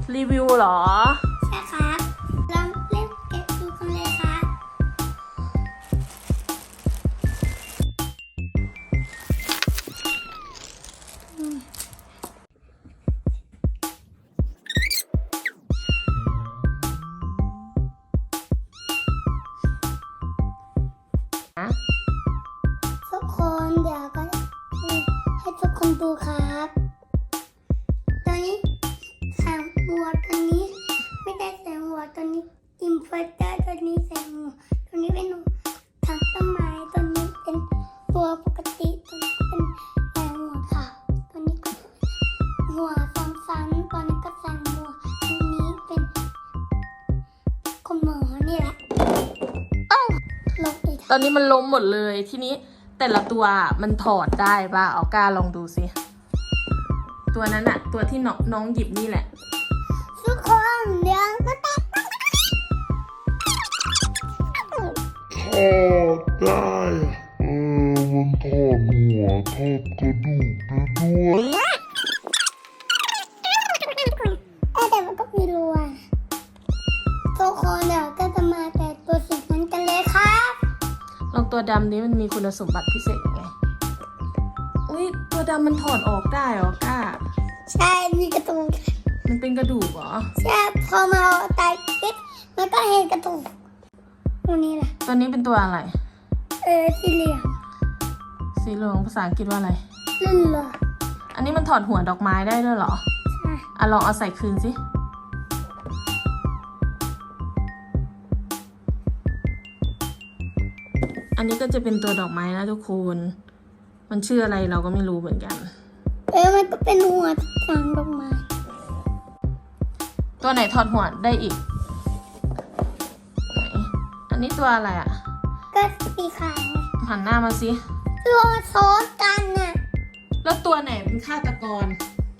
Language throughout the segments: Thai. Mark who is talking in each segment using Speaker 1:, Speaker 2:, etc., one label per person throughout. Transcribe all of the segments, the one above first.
Speaker 1: รีวิวเหรอ
Speaker 2: ใช่ครับลองเล่นเก็บดูกันเลยครับทุกคนเดี๋ยวก็ให้ทุกคนดูครับตอนนี้ใส่หมวกตัวนี้ไม่ได้ใส่หมวกตัวนี้อินเวอร์เตอร์ตัวนี้ใส่หมวกตัวนี้เป็นถังต้นไม้ตัวนี้เป็นตัวปกติตัวนี้เป็นหัวขาวตัวนี้ก็หัวซ้ำๆตัวนี้ก็ใส่หมวกตัวนี้เป็นคุณหมอนี่แหละลงอีก
Speaker 1: ตอนนี้มันล้มหมดเลยทีนี้แต่ละตัวมันถอดได้ป่ะเอาก้าลองดูสิตัวนั้นอะตัวที่น้องหยิบนี่แหละ
Speaker 2: ทุกคนเดี๋ยวก็แตก
Speaker 3: ได้มันถอดหัวถอดกระดูกได้ด้วย
Speaker 2: แต่มันก็มีรูอ่ะทุกคนเดี๋ยวก็จะมาแต่ตัวสีนั้นกันเลยครับ
Speaker 1: ลองตัวดำนี้มันมีคุณสมบัติพิเศษยังไงอุ้ยตัวดำมันถอดออกได้เหรอก้า
Speaker 2: ใช่มีกระตุก
Speaker 1: มันเป็นกระดูกเหรอ
Speaker 2: ใช่พอมาตายปิ๊บมันก็เห็นกระตุกตัวนี้แหละ
Speaker 1: ตัวนี้เป็นตัวอะไร
Speaker 2: สีเหลือง
Speaker 1: สีเหลืองภาษาอังกฤษว่าอะไร
Speaker 2: เลื่อนเหรอ
Speaker 1: อันนี้มันถอดหัวดอกไม้ได้ด้วยเหรอ
Speaker 2: ใช่
Speaker 1: อ่ะลองเอาใส่คืนสิอันนี้ก็จะเป็นตัวดอกไม้นะทุกคนมันชื่ออะไรเราก็ไม่รู้เหมือนกัน
Speaker 2: มันก็เป็นหัวทางดอกไม้
Speaker 1: ตัวไหนถอดหัวได้อีกไหนอันนี้ตัวอะไรอ่ะ
Speaker 2: ก็สีขาวไง
Speaker 1: หันหน้ามาสิ
Speaker 2: ตัวซ้อนกันน่ะ
Speaker 1: แล้วตัวไหนเป็นฆาตกร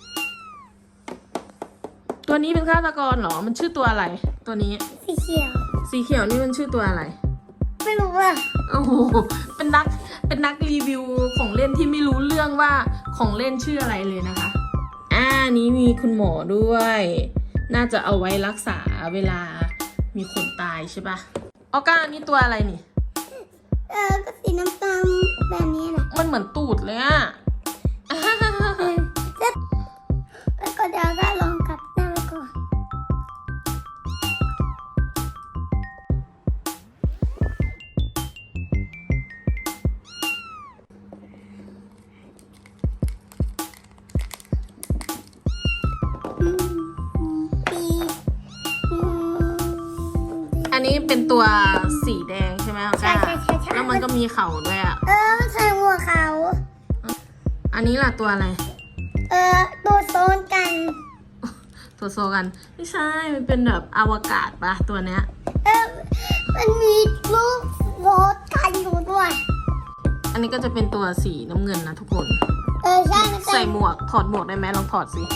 Speaker 1: ตัวนี้เป็นฆาตกรเหรอมันชื่อตัวอะไร ตัวนี้
Speaker 2: สีเขียว
Speaker 1: สีเขียวนี่มันชื่อตัวอะไร
Speaker 2: ไม่รู้อ่ะ
Speaker 1: โอ้โหเป็นนักรีวิวของเล่นที่ไม่รู้เรื่องว่าของเล่นชื่ออะไรเลยนะคะนี้มีคุณหมอด้วย น่าจะเอาไว้รักษาเวลามีคนตายใช่ปะออก้านี่ตัวอะไรนี่
Speaker 2: ก็สีน้ำตาลแบบนี้แหละ
Speaker 1: มันเหมือนตูดเลยอะ
Speaker 2: แล้วก็เดี๋ยวก็ลองกลับหน้าไปก่อนปี
Speaker 1: อันนี้เป็นตัวสีแดงใช่ไหมออ
Speaker 2: ใช่
Speaker 1: ก้า
Speaker 2: ใช่ใช่ใช่
Speaker 1: แล้วมันก็มีเข่าด้วยอะ
Speaker 2: มันใส่หัวเขา
Speaker 1: อันนี้ล่ะตัวอะไร
Speaker 2: ตัวโซนกัน
Speaker 1: ตัวโซกันไม่ใช่มันเป็นแบบอวกาศปะตัวเนี้ย
Speaker 2: มันมีลูกโซนกันอยู่ด้วย
Speaker 1: อันนี้ก็จะเป็นตัวสีน้ำเงินนะทุกคน
Speaker 2: ใช่มัน
Speaker 1: ใส่หมวกถอดหมวกได้ไหมลองถอดสิ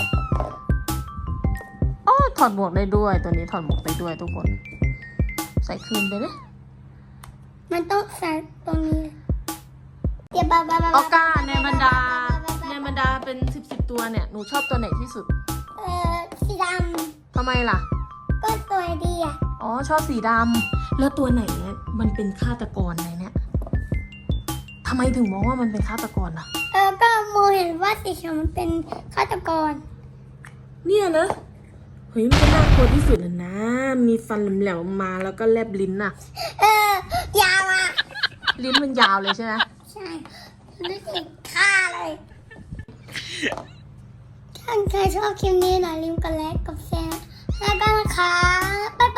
Speaker 1: อ๋อถอดหมวกได้ด้วยตัวนี้ถอดหมวกได้ด้วยทุกคน ใส่คืนไปเลย
Speaker 2: มันต้องใส่ตรงนี้เดี๋ยวบ้า
Speaker 1: ออก้าในบรรดาเป็นสิบตัวเนี่ยหนูชอบตัวไหนที่สุด
Speaker 2: สีด
Speaker 1: ทำไมล่ะ
Speaker 2: ำก็สวยดีอ่ะ
Speaker 1: อ๋อชอบสีดำแล้วตัวไหนเนี่ยมันเป็นฆาตกรในเนี่ยทำไมถึงมองว่ามันเป็นฆาตกรล่ะ
Speaker 2: ก็โมเห็นว่าสีเขียวมันเป็นฆาตกร
Speaker 1: เนี่ยนะเฮ้ยมันก็น่ากลัวที่สุดเลยนะ มีฟันแหลมๆมาแล้วก็แลบลิ้นน่ะ
Speaker 2: ยาวอ่ะ
Speaker 1: ลิ้นมันยาวเลยใช่ไหม
Speaker 2: ใช่รู้สึกฆ่าเลยถ้าใครชอบคลิปนี้อย่าลืมกดไลค์กดแชร์แล้วก็นะคะบ๊าย